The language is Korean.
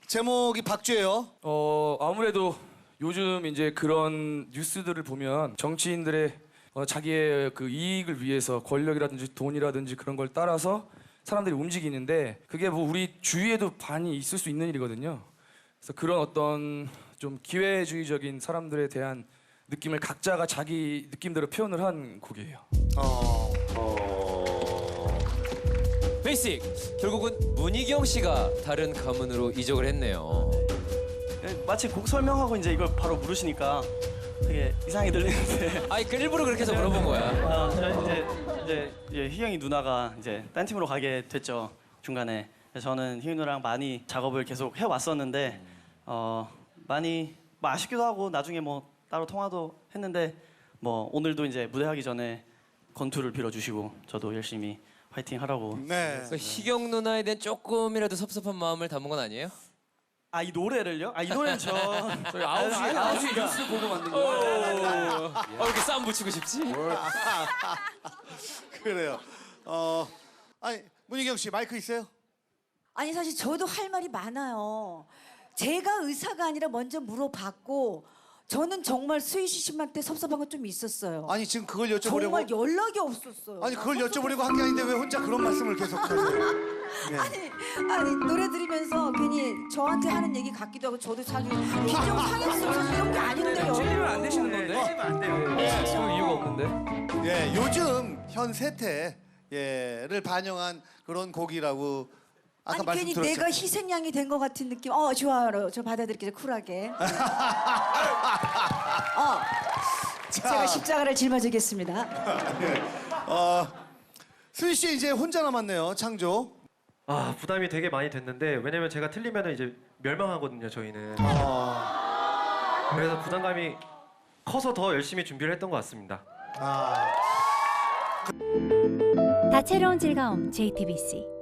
제목이 박쥐예요. 아무래도 요즘 이제 그런 뉴스들을 보면 정치인들의 자기의 그 이익을 위해서 권력이라든지 돈이라든지 그런 걸 따라서 사람들이 움직이는데 그게 뭐 우리 주위에도 많이 있을 수 있는 일이거든요. 그래서 그런 어떤 좀 기회주의적인 사람들에 대한 느낌을 각자가 자기 느낌대로 표현을 한 곡이에요. 베이식 결국은 문희경 씨가 다른 가문으로 이적을 했네요. 마치 곡 설명하고 이제 이걸 바로 물으시니까 되게 이상하게 들리는데. 아니 그 일부러 그렇게 해서 물어본 거야. 저는 이제 희경이 누나가 이제 딴 팀으로 가게 됐죠 중간에. 그래서 저는 희경이 누나랑 많이 작업을 계속 해 왔었는데 많이 뭐 아쉽기도 하고 나중에 뭐 따로 통화도 했는데 뭐 오늘도 이제 무대하기 전에 건투를 빌어주시고 저도 열심히 파이팅 하라고. 네. 그 희경 누나에 대한 조금이라도 섭섭한 마음을 담은 건 아니에요? 아 이 노래를요? 아 이 노래는 저희 저희 9시 뉴스 보고 만든 거예요. 이렇게 싸움 붙이고 싶지? 그래요. 아니 문희경 씨 마이크 있어요? 아니 사실 저도 할 말이 많아요. 제가 의사가 아니라 먼저 물어봤고 저는 정말 수희씨 씨한테 섭섭한 건 좀 있었어요. 아니 지금 그걸 여쭤보려고. 정말 연락이 없었어요. 아니 그걸 여쭤보려고 한 게 아닌데 왜 혼자 그런 말씀을 계속 하세요? 네. 아니 노래 들으면서 괜히 저한테 하는 얘기 같기도 하고 저도 자기 비정 상했어서 이런 게 아닌데요. 찔리면 안 되시는 건데? 찔리면 안 돼요. 그럴 이유가 없는데? 예, 요즘 현 세태를 반영한 그런 곡이라고 아까 아니 말씀 괜히 들었죠. 내가 희생양이 된 것 같은 느낌. 좋아요. 저 받아들일게요. 쿨하게. 제가 십자가를 짊어지겠습니다. 수희 씨 이제 혼자 남았네요. 창조. 아 부담이 되게 많이 됐는데 왜냐면 제가 틀리면 이제 멸망하거든요 저희는. 그래서 부담감이 커서 더 열심히 준비를 했던 것 같습니다. 다채로운 즐거움 JTBC